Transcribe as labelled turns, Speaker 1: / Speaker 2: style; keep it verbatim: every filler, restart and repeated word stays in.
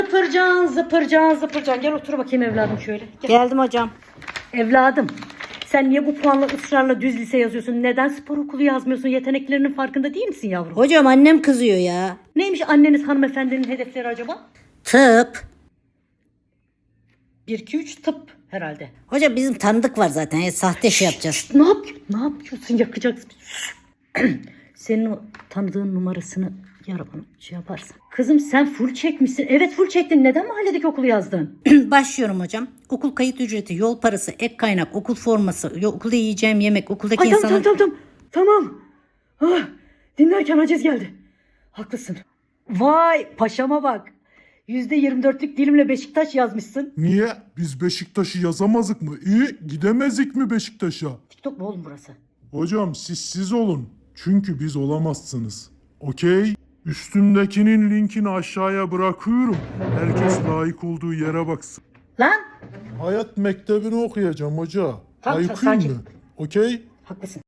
Speaker 1: Zıpırcan zıpırcan zıpırcan. Gel otur bakayım evladım şöyle. Gel.
Speaker 2: Geldim hocam.
Speaker 1: Evladım sen niye bu puanla ısrarla düz lise yazıyorsun? Neden spor okulu yazmıyorsun? Yeteneklerinin farkında değil misin yavrum?
Speaker 2: Hocam annem kızıyor ya.
Speaker 1: Neymiş anneniz hanımefendinin hedefleri acaba?
Speaker 2: Tıp.
Speaker 1: bir iki üç tıp herhalde.
Speaker 2: Hocam bizim tanıdık var zaten. Ya, sahte şey yapacağız.
Speaker 1: Ne yapıyorsun? Ne yapıyorsun? Yakacaksın. Senin o tanıdığın numarasını yara bana şey yaparsın. Kızım sen full çekmişsin. Evet full çektin. Neden mahalledeki okulu yazdın?
Speaker 2: Başlıyorum hocam. Okul kayıt ücreti, yol parası, ek kaynak, okul forması, yo- okulda yiyeceğim yemek, okuldaki
Speaker 1: Ay tamam
Speaker 2: insanlar...
Speaker 1: tamam tamam. Tamam. Ah, dinlerken aciz geldi. Haklısın. Vay paşama bak. yüzde yirmi dörtlük dilimle Beşiktaş yazmışsın.
Speaker 3: Niye? Biz Beşiktaş'ı yazamazık mı? İyi, gidemezdik mi Beşiktaş'a?
Speaker 1: TikTok mu oğlum burası?
Speaker 3: Hocam siz siz olun. Çünkü biz olamazsınız. Okey? Üstümdekinin linkini aşağıya bırakıyorum. Herkes layık olduğu yere baksın.
Speaker 1: Lan.
Speaker 3: Hayat mektebini okuyacağım hoca.
Speaker 1: Tamam,
Speaker 3: Ayıkayım
Speaker 1: sakin.
Speaker 3: mı? Okey?
Speaker 1: Haklısın.